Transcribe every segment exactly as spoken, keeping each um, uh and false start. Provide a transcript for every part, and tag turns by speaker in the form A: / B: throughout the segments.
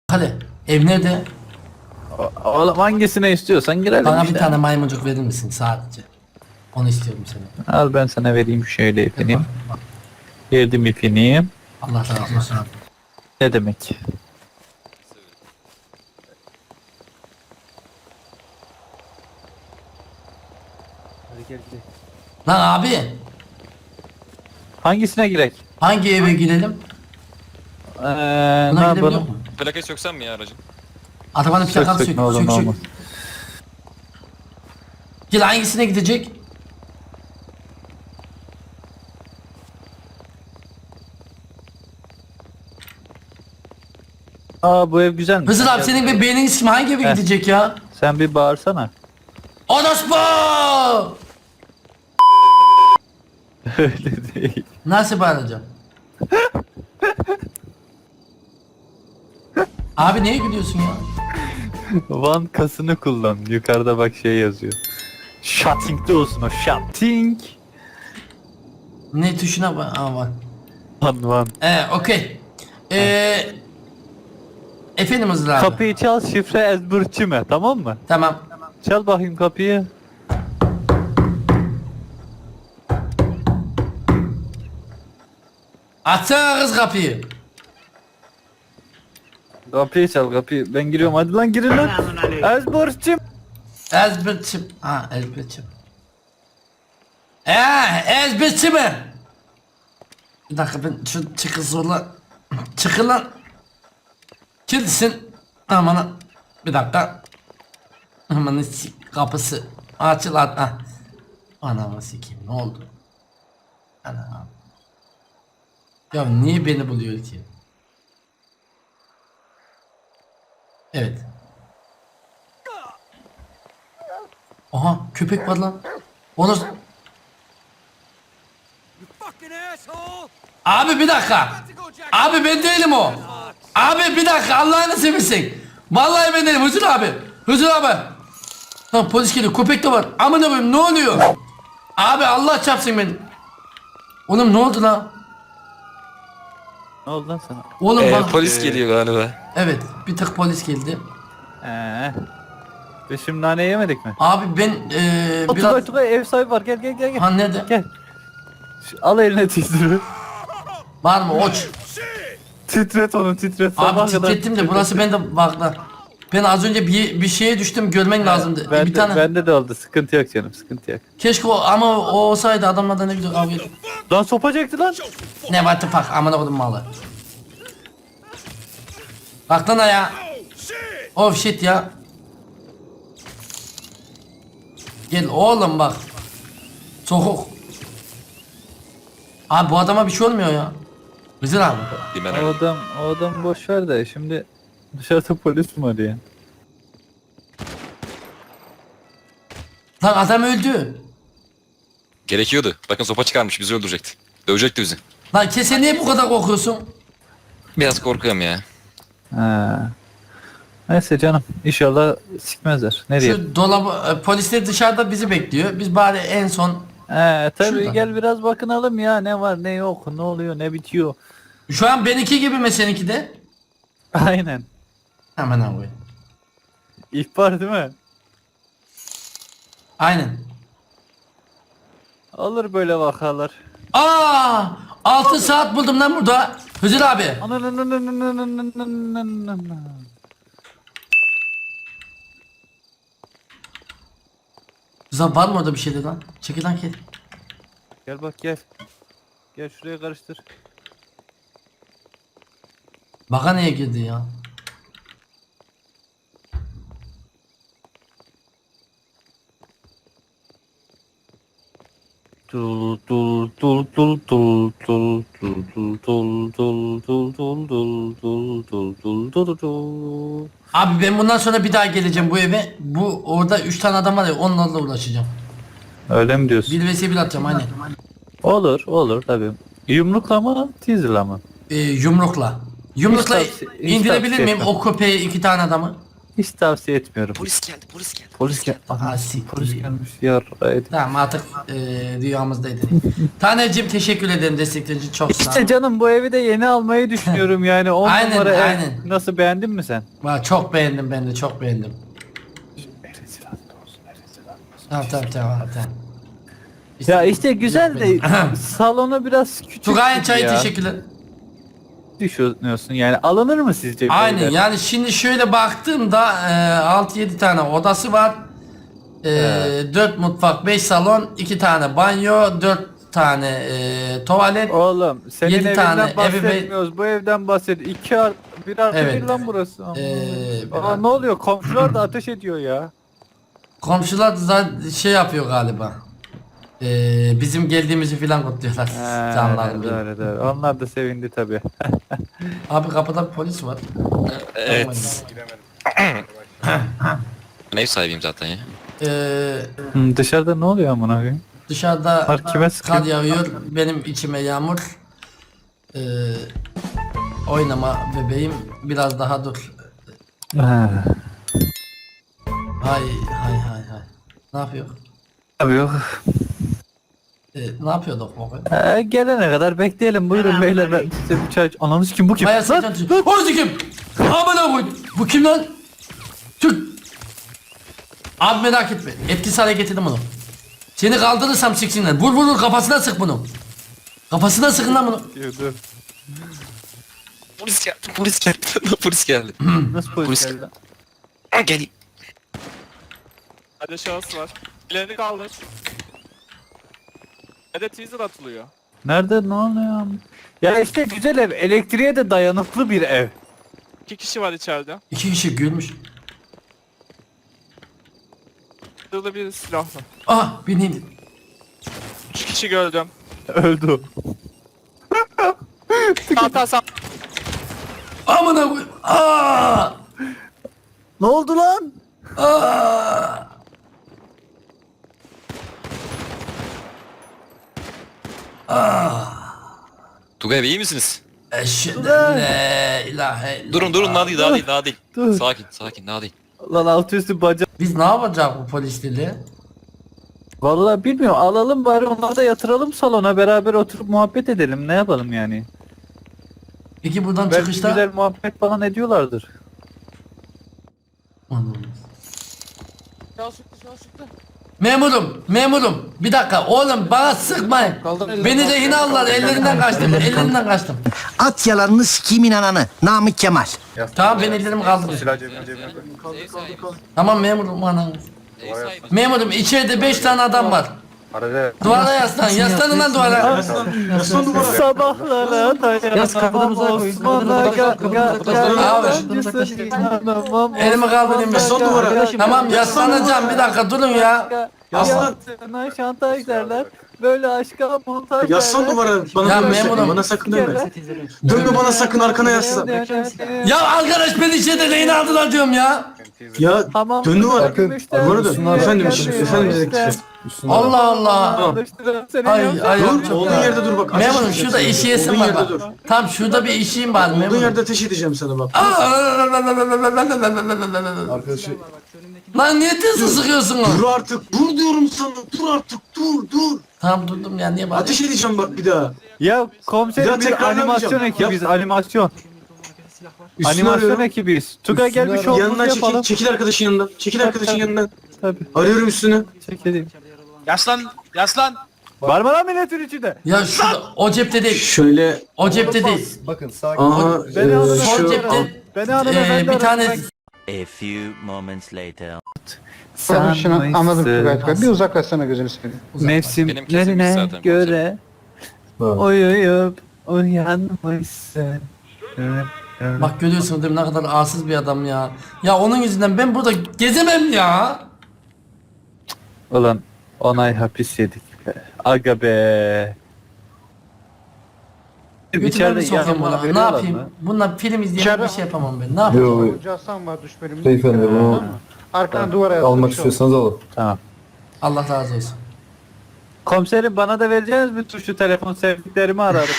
A: Hadi ev nerede?
B: O- Oğlum hangisine istiyorsan girelim
A: Bana
B: işte.
A: bir tane maymuncuk verir misin sadece? Onu istiyorum seni.
B: Al ben sana vereyim şöyle ipini. Verdim ipini.
A: Allah razı olsun.
B: Ne demek? Hadi gel gidelim.
A: Lan abi
B: Hangisine girek?
A: hangi eve girelim?
B: Ee, ne
A: Buna gidebiliyor
B: yapalım?
A: mu?
C: Plakayı söksem mi ya aracın?
A: Arabanın
B: Sök
A: plakası
B: sök
A: sök
B: ne olur
A: sök
B: ne
A: sök.
B: olmaz.
A: Gel hangisine gidecek?
B: Aa bu ev güzelmiş.
A: Hızır
B: Sen
A: abi
B: gel.
A: senin bir beynin ismi hangi eve
B: Heh.
A: gidecek ya?
B: Sen bir bağırsana.
A: Orospu!
B: Öyle değil.
A: Nasıl bağıracağım? Abi neye gülüyorsun ya?
B: Van kasını kullan. Yukarıda bak şey yazıyor. Shutting'de olsun o shutting.
A: Ne tuşuna bak? Aa var.
B: Van van.
A: Ee, okey. Ee, efendim Hızır abi.
B: Kapıyı çal şifre ezberçime tamam mı?
A: Tamam.
B: Çal bakayım kapıyı.
A: Açsana kız kapıyı.
B: Kapıyı çal kapıyı. Ben giriyorum hadi lan girin lan. Ezberçim.
A: Ezberçim. Ha ezberçim. Eee ezberçim mi? Bir dakika ben şu çıkı zorla. Çıkın lan. Kimsin? Aman bir dakika. Aman kapısı. Açıl at. Ah. Anamı sikeyim ne oldu? Ana. Ya niye beni buluyor ki? Evet. Aha köpek var lan. Onu... Abi bir dakika. Abi ben değilim o. Abi bir dakika Allah'ını seversen. Vallahi ben değilim Hızır abi. Hızır abi. Lan polis geliyor köpek de var. Amına koyayım ne oluyor? Abi Allah çarpsın beni. Oğlum ne oldu lan?
B: Ne oldu lan sana?
A: Oğlum
C: Ee,
A: bak.
C: polis geliyor galiba.
A: Evet bir tık polis geldi.
B: Eee. Biz şimdi nane yemedik mi?
A: Abi ben eee
B: Biraz...
A: biraz...
B: Tugay Tugay ev sahibi var gel gel gel gel.
A: Ha nerede?
B: Gel. Şu- al eline titri.
A: Var mı oç?
B: Titret onu titret. sabaha
A: Abi
B: kadar
A: titrettim de
B: titret.
A: burası bende bak lan. Ben az önce bir bir şeye düştüm görmen lazımdı.
B: Ben
A: bir
B: de,
A: tane.
B: Bende de oldu sıkıntı yok canım sıkıntı yok.
A: Keşke o ama o olsaydı adamlardan ne güzel kavga ettik.
B: Lan sopa çekti lan.
A: Ne what the fuck amına koydum malı. Bak lan ya. Oh shit ya. Gel oğlum bak. Soğuk. Abi bu adama bir şey olmuyor ya. Hızır abi.
C: Dimen
B: O
C: öyle.
B: adam, o adam boş ver de şimdi dışarıda polis mi arıyor?
A: Lan adam öldü.
C: Gerekiyordu. Bakın sopa çıkarmış bizi öldürecekti. Dövecekti bizi.
A: Lan kese niye bu kadar korkuyorsun?
C: Biraz korkuyorum ya.
B: Ha. Neyse canım inşallah sikmezler. Ne diyeyim?
A: Şu dolabı e, polisler dışarıda bizi bekliyor. Biz bari en son
B: He tabii
A: Şuradan.
B: gel biraz bakınalım ya ne var ne yok ne oluyor ne bitiyor.
A: şu an benimki gibi mi seninki de?
B: Aynen.
A: Hemen abi.
B: İhbar değil mi?
A: Aynen.
B: Olur böyle vakalar.
A: Aa! altı saat buldum lan burada. Hızır abi. Hızır var mı orada bir şeyler lan? Çekil lan gel.
B: Gel bak gel. Gel şuraya karıştır.
A: Baka neye girdi ya?
B: Tul tul tul tul tul tul tul tul tul tul tul tul tul tul tul tul tul.
A: Abi ben bundan sonra bir daha geleceğim bu eve. Bu orada üç tane adam var ya onlarla uğraşacağım.
B: Öyle mi diyorsun?
A: Bir vs bir atacağım aynen.
B: Olur olur tabii. Yumrukla mı teaser'la mı?
A: Ee, yumrukla. Yumrukla
B: Hiç tavsiye- hiç
A: indirebilir
B: tavsiye
A: miyim
B: etmem.
A: o köpeği iki tane adamı?
B: Hiç tavsiye etmiyorum.
C: Polis geldi polis geldi.
B: Polis gel.
A: Ha,
B: Aha,
A: siktir.
B: polis gelmiş. Yarraydı.
A: Tamam artık e, rüyamızdaydı. Taneciğim teşekkür ederim desteklerin için çok sağ ol.
B: İşte canım bu evi de yeni almayı düşünüyorum yani. on
A: Aynen,
B: numara ev.
A: aynen.
B: Nasıl, beğendin mi sen?
A: Vay, çok beğendim ben de çok beğendim. Tamam tamam tamam tamam.
B: Ya işte güzel de salonu biraz küçük.
A: Tugay'ın çayı
B: ya.
A: teşekkürler.
B: Düşünüyorsun yani, alınır mı sizce? bu
A: Aynen
B: evler?
A: yani şimdi şöyle baktığımda e, altı yedi tane odası var. E, dört mutfak, beş salon, iki tane banyo, dört tane e, tuvalet.
B: Oğlum senin
A: Yedi
B: evinden
A: tane evi
B: bahsetmiyoruz. Bu evden bahset. İki artı bir artı
A: Evet.
B: bir lan burası.
A: Ee,
B: Aa, ne oluyor? Komşular da ateş ediyor ya.
A: Komşular zaten şey yapıyor galiba. E, bizim geldiğimizi filan kutluyorlar. Canlarım benim.
B: Doğru doğru. Onlar da sevindi tabi.
A: Abi kapıda bir polis var.
C: Evet. Ben ev sahibiyim zaten ya.
A: E,
B: Dışarıda ne oluyor amına koyayım?
A: dışarıda
B: Var kime sıkıyor?
A: kar yağıyor. Benim içime yağmur. E, oynama bebeğim biraz daha dur.
B: Ha.
A: Hay hay hay hay. Ne yapıyor?
B: Tabii yok.
A: E, ne yapıyorduk baba?
B: Ee, gelene kadar bekleyelim. Buyurun beyler, ben size bir çay... Ananız kim, bu kim?
A: Bayağı
B: Lan!
A: sıkıntı. Orası kim? Amına koy. Bu kim lan? Türk. Abi merak etme. Etkisiz hale getirdim bunu. Seni kaldırırsam siksinler. Vur vur vur kafasına sık bunu. Kafasına sıkın lan bunu.
B: Dur, dur.
C: Polis geldi polis geldi. Polis geldi.
B: Nasıl polis
C: Polis-
B: geldi lan?
C: Gel.
D: Hadi şahıs var. Ellerini kaldır. Hadi teaser atılıyor.
B: Nerede, ne oluyor? Ya işte güzel ev. Elektriğe de dayanıklı bir ev.
D: İki kişi var içeride.
A: İki kişi gülmüş.
D: Burada bir silahlı.
A: Ah beni indir.
D: Üç kişi gördüm.
B: Öldü.
D: Sağ sağ sağ.
A: Amına koy. Aa!
B: Ne oldu lan?
A: Aa!
C: Tugay Bey iyi misiniz?
A: Eşhedü en la ilahe illallah.
C: Durun durun daha değil daha değil daha değil.
B: Dur.
C: Sakin sakin daha değil.
B: Lan altı üstü bacak.
A: Biz ne yapacağız bu polisleri?
B: Vallahi bilmiyorum, alalım bari, onları da yatıralım salona, beraber oturup muhabbet edelim, ne yapalım yani.
A: Peki buradan
B: Belki
A: çıkışta...
B: güzel muhabbet falan ediyorlardır.
A: Anladım.
D: Şahıs çıktı şahıs çıktı.
A: Memurum, memurum. Bir dakika oğlum bana sıkmayın. Beni rehin aldılar, ellerinden kaçtım, ellerinden kaçtım.
E: At yalanını sikimin ananı. Namık Kemal.
A: Tamam ben ellerimi kaldırdım.
C: Ev sahibi.
A: Tamam memurum anam.
C: Ev sahibi.
A: Memurum içeride beş tane adam var. Duvara yaslan, yaslanın lan duvara.
B: Sabahlara dayanamam Osman'a ga ga
A: Abi. Elimi kaldırayım ben. Tamam yaslanacağım bir dakika durun ya.
B: Yaslan. Şantaj derler. Böyle aşka montaj derler.
F: Yaslan duvara bana
A: Ya
F: dönme
A: memurum.
F: sakın, bana sakın dönme. Dönme bana sakın, arkana yaslan.
A: Ya arkadaş beni içeride rehin aldılar diyorum ya.
F: Ya
B: Tamam.
F: dön duvara.
B: Müşteri-
F: Duvara dön. Efendim
B: Müşteri-
F: efendim dedik.
A: Allah Allah.
B: Alıştırın seni
A: Ay
B: ya.
A: ay.
F: Dur, olduğun yerde dur bak. ateş
A: Memurum
F: edeceğim
A: şurada
F: sana.
A: işiyesim
F: Olduğun
A: var
F: yerde
A: bak.
F: dur.
A: Tam şurada bir işim var
F: Olduğun
A: memurum.
F: yerde ateş edeceğim sana bak.
G: Arkadaşı
A: Lan niye tezi sıkıyorsunuz?
F: Dur artık, dur diyorum sana. Dur artık, dur, dur.
A: Tamam durdum ya niye bari?
F: Ateş edeceğim bak bir daha.
B: Ya komiserim,
F: Bir
B: biz
F: daha tekrarlamayacağım.
B: animasyon ekibiz, animasyon.
F: Üstünü
B: Animasyon
F: arıyorum.
B: ekibiz. Tugay gel bir
G: Üstünü
B: şovumuzu
F: Yanından çekil,
B: yapalım.
F: çekil arkadaşın yanından. Çekil arkadaşın yanından.
B: Tabii,
F: Arıyorum üstünü.
B: çekelim.
D: Yaslan yaslan.
B: Var mı lan milletin içinde?
A: Ya şurada o cepte değil.
F: Şöyle,
A: O cepte değil.
G: bakın sakin.
F: aha,
B: Beni alın,
F: eee,
A: Sol
F: şu...
A: cepte
B: Beni alın
A: eee,
B: efendim.
A: bir tane
H: A few moments later.
I: Tamam şunu anladım Tugay Tugay. Bir uzaklaşsana gözünü seveyim.
C: Benim kesimmiş
B: Mevsimlerine
C: zaten
B: göre uyuyup uyanmışsın.
A: bak görüyorsunuz değil mi ne kadar arsız bir adam ya. Ya onun yüzünden ben burada gezemem ya.
B: Ulan onay hapis yedik be. Aga be.
A: Götüme
B: İçeride
A: bir sokayım
B: yanıma
A: buna. Ne
B: veriyorlar
A: yapayım?
B: mı?
A: Bununla film izleyip
I: İçeride-
A: bir şey yapamam ben. Ne yapayım?
G: Yo,
I: Hoca Hasan var düş bölümünde.
G: beyefendi bunu
I: Arkana duvara yazmış.
G: almak istiyorsanız alın.
B: Tamam.
A: Allah razı olsun.
B: Komiserim bana da vereceğiniz mi tuşlu telefon, sevdiklerimi ararım.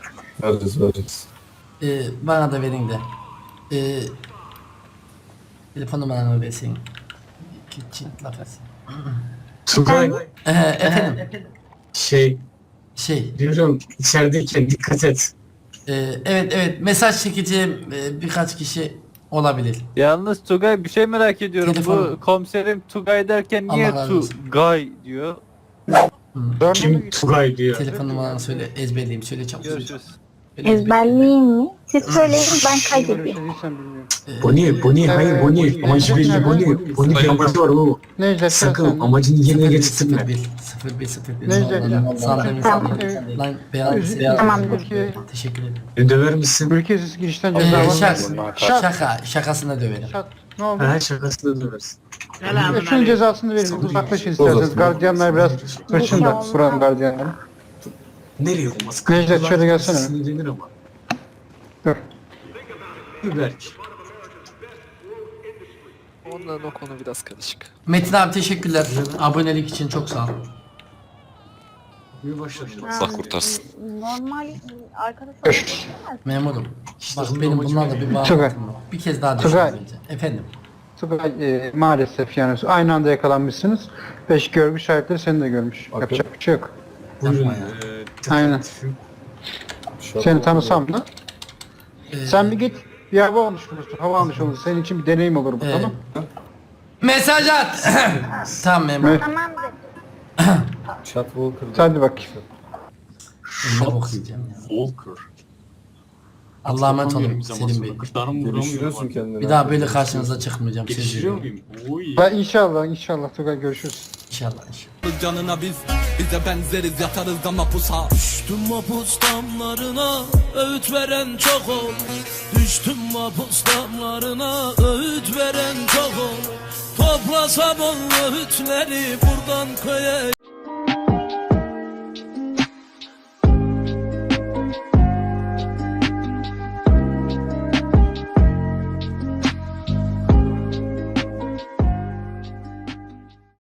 G: Vereceğiz vereceğiz.
A: Ee, bana da verin de. Ee, Telefon numaranı versin. Kitchen lafası.
F: Tugay
A: Ee, efendim.
F: şey
A: Şey.
F: diyorum içerideyken dikkat et.
A: e, evet evet mesaj çekeceğim e, birkaç kişi olabilir.
B: Yalnız Tugay bir şey merak ediyorum.
A: Telefon.
B: Bu komiserim Tugay derken niye
A: Allah razı olsun.
B: Tugay diyor?
F: Kim Tugay diyor.
A: Telefon numaranı söyle ezberleyeyim söyle çabuk.
B: Görüşürüz.
J: Ezberleyeyim mi? Siz söyleyin ben
I: Böyle bir
J: kaydedeyim.
I: şey değilsen bilmiyorum.
A: Ee,
F: Boni, Boni, hayır Boni. Amacı belli Boni. Boni bir amacı var oğlum.
I: Necdet sen
F: Sakın
I: sen.
F: amacını yerine
A: sıfır bir
F: getirtme.
A: sıfır bir sıfır bir sıfır bir
I: Necdet ya.
A: Sandalye
J: Tamam.
A: sandalye. Lan beyaz beyaz.
J: Tamamdır.
A: Teşekkür ederim.
F: Beni döver misin?
I: Ülkesiz girişten
A: Ee,
I: ceza var.
A: şaka,
I: Şak.
A: şaka şakasına döverim.
I: Şak. Ne oldu?
F: Ha şakasını döversin.
I: E, Şunun cezasını verin. Uzaklaşın isterseniz. Gardiyanlar biraz hırçın da. Buranın gardiyanları.
F: Nereye olmaz?
I: Necdet, şöyle gelsene.
F: Sinirlenir ama.
I: Dur.
F: Berk.
D: Onların o konu biraz karışık.
A: Metin abi teşekkürler. Abonelik için çok sağ ol.
F: Bir başladı.
C: Allah kurtarsın.
J: Normal arkadaş olmak
A: Memurum. Bak
F: onun
A: benim
F: amacı
A: bunlarla bir bağlantım
I: Tugay.
A: var. Bir kez daha
I: Tugay.
A: düşünün. Efendim.
I: Tugay e, maalesef yani aynı anda yakalanmışsınız. Beş görgü şahitleri seni de görmüş. Yapacak bir şey yok.
F: Buyurun.
A: Yapma ya.
F: Ee,
I: Aynen. Seni tanısam da.
A: Ee,
I: Sen bir git bir hava almış olursun. Hava almış olursun. Senin için bir deneyim olur bu,
A: Ee,
I: tamam?
A: Mesaj at. Tamam memur.
I: Evet.
J: tamamdır.
G: Chat Walker.
I: Hadi bak.
A: Ne okuyacağım ya.
F: Walker.
A: Allah'a emanet olun Selim Bey.
G: Geliştiriyorsun kendini.
A: Bir daha böyle karşınıza çıkmayacağım. Söz
F: Geliştiriyor
A: veriyorum.
F: muyum? Oy.
I: Ha, inşallah inşallah Tugay görüşürüz.
A: İnşallah inşallah.
K: Canına biz bize benzeriz yatarız da mapusa. Düştüm mapus damlarına öğüt veren çok ol. Düştüm mapus damlarına öğüt veren çok ol. Toplasam o öğütleri buradan köye